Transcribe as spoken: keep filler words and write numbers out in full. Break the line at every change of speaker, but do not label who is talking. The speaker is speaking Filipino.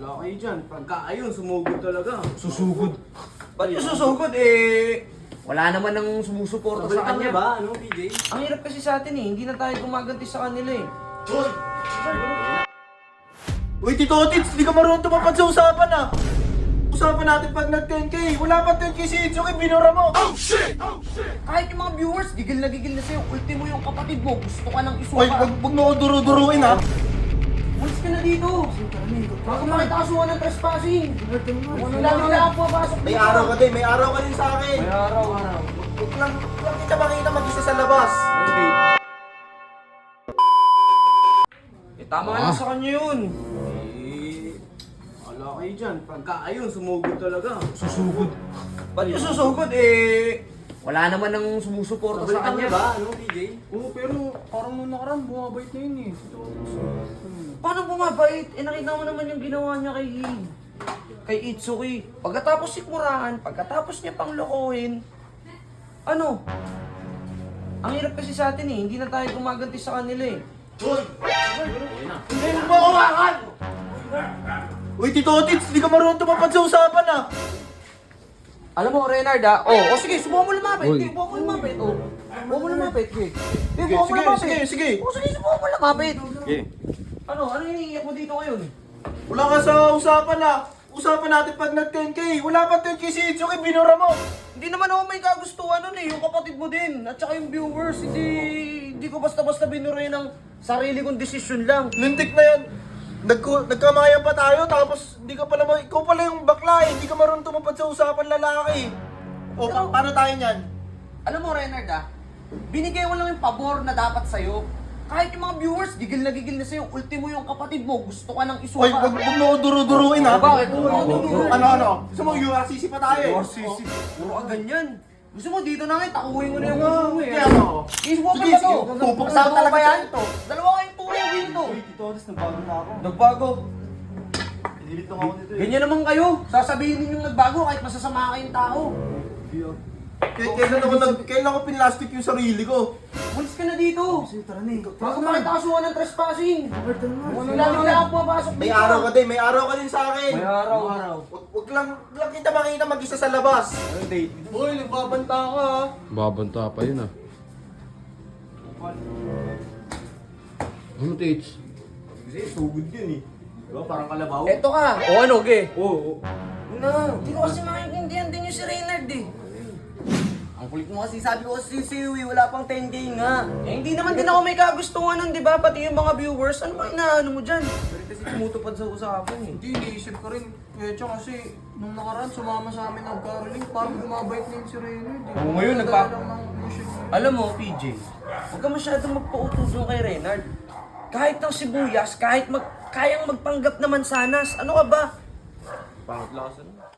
Wala kayo dyan. Pagka ayun, sumugod talaga.
Susugod. Ba't yung susugod eh? Wala naman nang sumusuporta sa
Nabalikan
kanya.
niya ba? Ano, P J?
Ang hirap kasi sa atin eh, hindi na tayo gumaganti sa kanila eh.
Hoy!
Uy, Tito Otits, di ka marunong tumapad sa usapan ah! Usapan natin pag nag ten K, wala pa ten K si Itsuki, binura mo!
Kahit yung mga viewers, gigil na gigil na sa'yo. Ultimo yung kapatid mo, gusto ka nang isuka.
Uy, wag, wag mo ako duru-duruin ah!
Umalis ka na dito. Bago makita kasuhan ng trespassing. Ano lagi na ako papasok
May araw ka din, may araw ka din sa akin!
May araw, araw.
Huwag lang, huwag lang kita makita mag-isa sa labas!
Eh, tama na sa kanya yun.
Eh, wala kayo dyan. Pagka ayun, sumugod talaga.
Susugod. Ba't yung susugod eh? Wala naman nang sumusuporta sa
Nabalikan niya
kanya.
ba? Ano, P J?
Oo, pero parang nung nakaraan, bumabait na yun eh. Ito,
Paano bumabait? Eh nakita mo naman yung ginawa niya kay kay Itsuki. Pagkatapos sikmurahan, pagkatapos niya pang lokohin, ano? Ang hirap kasi sa atin eh, hindi na tayo gumaganti sa kanila eh.
Hoy!
Hindi mo ba hawakan! Uy, Tito Otits, di ka marunong tumapad sa usapan ah!
Alam mo, Renard ah, oh, oh sige, subukan mo lumapit.
Uy.
Sige, subukan mo lumapit. Oh. Subukan mo lumapit, sige. Sige,
Sige,
subukan mo
sige,
lumapit.
sige, sige.
Oh, sige, subukan mo lumapit.
Okay.
Ano, ano iniiyak mo dito ngayon?
Wala ka sa usapan ah! Usapan natin pag nag ten K, wala pa ten K si Itsuki, binura mo!
Hindi naman ako may kagustuhan nun eh, yung kapatid mo din, at saka yung viewers, hindi, hindi ko basta-basta binuray ng sarili kong desisyon lang.
Lintik na yan! Nagku nagkamayan pa tayo, tapos hindi ka pala, ma- ikaw pala yung bakla eh, hindi ka marunong tumapad sa usapan lalaki. O, pa- paano tayo niyan?
Alam mo, Renard ah, binigay mo lang yung pabor na dapat sa'yo. Kahit yung mga viewers, gigil na gigil na sa'yo, ultimo yung kapatid mo, gusto ka nang isuka.
Uy, wag, wag mo ako duru-duruin ha?
Bakit?
Ano, ano? Gusto mo U R C C pa tayo eh?
U R C C. Puro ka ganyan. Gusto mo dito na ngayon, takuhin mo na yung gusto mo eh.
Kaya ano?
Is mo pa
Sige,
ba
sige.
to?
Pupuksa
Dalawa
talaga
ba yan?
ito.
Dalawa kayong tuloy dito.
Uy, Tito Otis, nagbago na ako.
Nagbago.
Pinilit lang ako nito eh.
Ganyan naman kayo. Sasabihin ninyong nagbago kahit masasama kayong tao.
K- kailan ako, nag, kailan ako pinlastic yung sarili ko?
Umalis ka na dito.
Sige, tara na eh.
Bago makita kasuhan ng trespassing.
Robert, tara na.
Ano lagi na ako papasok dito.
May araw ka din, may araw ka din sa akin.
May araw. araw.
Wag, wag lang, wag lang kita makita mag-isa sa labas.
Ano, date?
Uy, nagbabanta ka ah.
Babanta pa yun ah. Ano, Tits?
Kasi sugod yun eh. Diba? Parang kalabaw.
Eto ka. O ano, ge?
Oo. Oh,
Na, hindi ko kasi maintindihan din yung si Reynard eh. Ang kulit mo kasi sabi ko kasi si Uwi, wala pang ten K nga. Eh hindi naman din ako may kagustuhan nun, di ba? Pati yung mga viewers, ano ba inaano mo dyan? Pero kasi tumutupad sa usapan eh.
Hindi, iniisip ko rin. Eh, tsaka kasi, nung nakaraan, sumama sa amin ng caroling, parang bumabait na yun si Reynard eh.
Oo, ngayon, nagpa-
Dala lang ng mission.
Alam mo, P J, huwag ka masyadong magpautos doon kay Reynard. Kahit ng sibuyas, kahit mag, kayang magpanggap naman sanas, ano ka ba?
pangit lakas ano.